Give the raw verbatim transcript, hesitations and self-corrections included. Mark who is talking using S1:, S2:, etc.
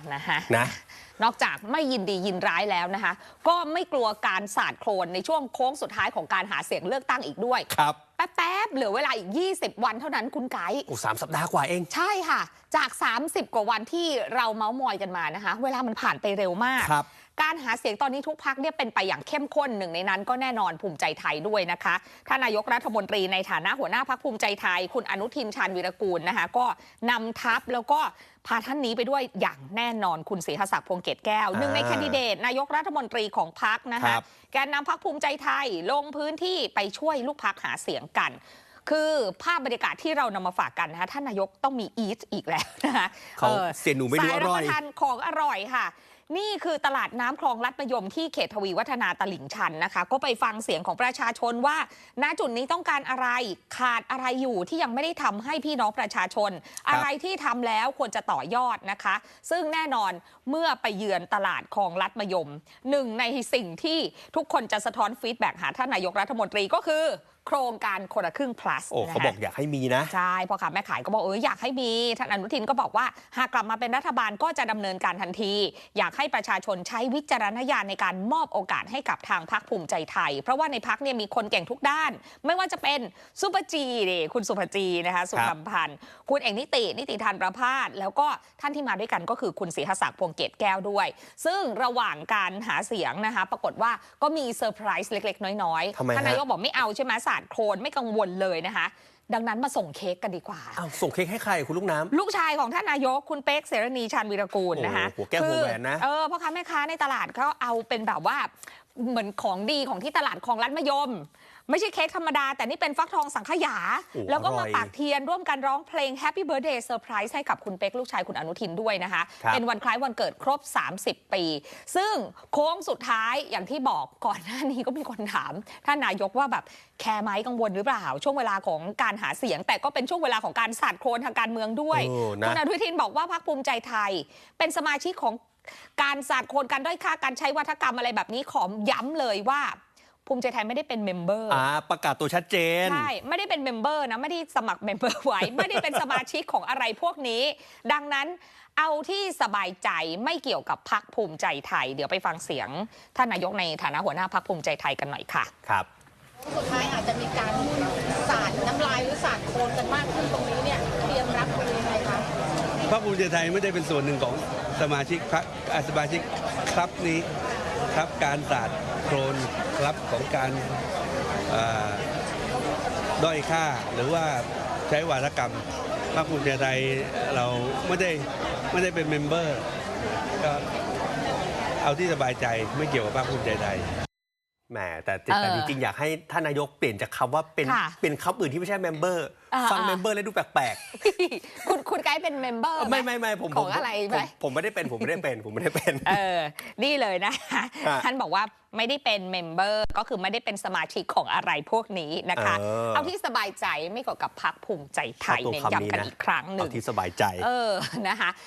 S1: นะคะนะนอกจากไม่ยินดียินร้ายแล้วนะคะก็ไม่กลัวการสาดโคลนในช่วงโค้งสุดท้ายของการหาเสียงเลือกตั้งอีกด้วย
S2: ครับ
S1: แป๊บๆเหลือเวลาอีกยี่สิบวันเท่านั้นคุณไก่
S2: โอ้สามสัปดาห์กว่าเอง
S1: ใช่ค่ะจากสามสิบกว่าวันที่เราเมาส์มอยกันมานะคะเวลามันผ่านไปเร็วมากการหาเสียงตอนนี้ทุกพรรคเนี่ยเป็นไปอย่างเข้มข้นหนึ่งในนั้นก็แน่นอนภูมิใจไทยด้วยนะคะท่านนายกรัฐมนตรีในฐานะหัวหน้าพรรคภูมิใจไทยคุณอนุทินชาญวีรกูลนะคะก็นำทัพแล้วก็พาท่านนี้ไปด้วยอย่างแน่นอนคุณศรีหศักดิ์พวงเกตแก้วหนึ่งในแคนดิเดตนายกรัฐมนตรีของพรรคนะคะแกนนำพรรคภูมิใจไทยลงพื้นที่ไปช่วยลูกพรรคหาเสียงกันคือภาพบรรยากาศที่เรานำมาฝากกันนะคะท่านนายกต้องมีอีทอีกแล้วนะคะ
S2: เขาเสียหนูไม่ดูอร่อย
S1: สายรับประทานของอร่อยค่ะนี่คือตลาดน้ำคลองลัดมะยมที่เขตทวีวัฒนาตลิ่งชันนะคะก็ไปฟังเสียงของประชาชนว่าณจุดนี้ต้องการอะไรขาดอะไรอยู่ที่ยังไม่ได้ทำให้พี่น้องประชาชนอะไรที่ทำแล้วควรจะต่อยอดนะคะซึ่งแน่นอนเมื่อไปเยือนตลาดคลองลัดมะยมหนึ่งในสิ่งที่ทุกคนจะสะท้อนฟีดแบ็กหาท่านนายกรัฐมนตรีก็คือโครงการคนละครึ่ง plus
S2: โอ้เขาบอกอยากให้มีนะ
S1: ใช่พอขาแม่ขายก็บอกเอออยากให้มีท่านอนุทินก็บอกว่าหากกลับมาเป็นรัฐบาลก็จะดำเนินการทันทีอยากให้ประชาชนใช้วิจารณญาณในการมอบโอกาสให้กับทางพรรคภูมิใจไทยเพราะว่าในพรรคเนี่ยมีคนเก่งทุกด้านไม่ว่าจะเป็นซุปเปอร์จีนี่คุณสุภจีนะคะสุขพันธ์คุณเอกนิตินิติธานประภาสแล้วก็ท่านที่มาด้วยกันก็คือคุณศรีหศักดิ์พวงเกตแก้วด้วยซึ่งระหว่างการหาเสียงนะคะปรากฏว่าก็มีเซอร์ไพรส์เล็กๆน้อยๆท่านนายกบอกไม่เอาใช่ไหมสาดโคลนไม่กังวลเลยนะคะดังนั้นมาส่งเค้กกันดีกว่า
S2: อ้าวส่งเค้กให้ใครคุณลูกน้ำ
S1: ลูกชายของท่านนายกคุณเป๊กเสรณีชาญวีรกูลนะคะ
S2: หัวแก้วหัวแหวนนะ
S1: เออพ่อค้าแม่ค้าในตลาดเขาเอาเป็นแบบว่าเหมือนของดีของที่ตลาดคลองลัดมะยมไม่ใช่เค้กธรรมดาแต่นี่เป็นฟักทองสังขยาแล้วก็มาปากเทียนร่วมกันร้องเพลง Happy Birthday Surprise ให้กับคุณเป๊กลูกชายคุณอนุทินด้วยนะคะเป็นวันคล้ายวันเกิดครบสามสิบปีซึ่งโค้งสุดท้ายอย่างที่บอกก่อนหน้านี้ก็มีคนถามท่านนายกว่าแบบแคร์ไหมกังวลหรือเปล่าช่วงเวลาของการหาเสียงแต่ก็เป็นช่วงเวลาของการสาดโคลนทางการเมืองด้วยคุณอนุทินบอกว่าพรรคภูมิใจไทยเป็นสมาชิกของการสาดโคลนการด้อยค่าการใช้วัฒกรรมอะไรแบบนี้ขอย้ำเลยว่าภูมิใจไทยไม่ได้เป็นเมมเบอร์
S2: อ่าประกาศตัวชัดเจน
S1: ใช่ไม่ได้เป็นเมมเบอร์นะไม่ได้สมัครเมมเบอร์ไว้ ไม่ได้เป็นสมาชิกของอะไรพวกนี้ดังนั้นเอาที่สบายใจไม่เกี่ยวกับพรรคภูมิใจไทยเดี๋ยวไปฟังเสียงท่านนายกในฐานะหัวหน้าพรรคภูมิใจไทยกันหน่อยค่ะ
S2: ครับ
S3: สุดท้ายอาจจะมีการสาดน้ำลายหรือสาดโคลนกันมากขึ้นตรงนี้เนี่ยเตรียมรับมือยังไงคะ
S4: พรรคภูมิใจไทยไม่ได้เป็นส่วนหนึ่งของสมาชิกพรรคสมาชิกครับนี้ครับการสาดโคลนครับของการด้อยค่าหรือว่าใช้วาทกรรมพรรคภูมิใจไทยเราไม่ได้ไม่ได้เป็นเมมเบอร์ก็เอาที่สบายใจไม่เกี่ยวกับพรรคภูมิใจไทย
S2: แหมแต่แต่จริงๆอยากให้ท่านนายกเปลี่ยนจากคำว่าเป็นเป็นคำอื่นที่ไม่ใช่เมมเบอร์ฟังเมมเบอร์แล้วดูแปลก
S1: ๆคุณคุณไกด์เป็นเมมเบอร์
S2: ไม่ไม่ไม่ผม
S1: ของอะไรไหม
S2: ผมไม่ได้เป็นผมไม่ได้เป็นผมไม่ได้เป็น
S1: เออนี่เลยนะท่านบอกว่าไม่ได้เป็นเมมเบอร์ก็คือไม่ได้เป็นสมาชิกของอะไรพวกนี้นะคะเอาที่สบายใจไม่เกี่ยวกับพรรคภูมิใจไทยเน้นย้ำกันอีกครั้งหนึ่ง
S2: เอาที่สบายใจ
S1: เออนะคะ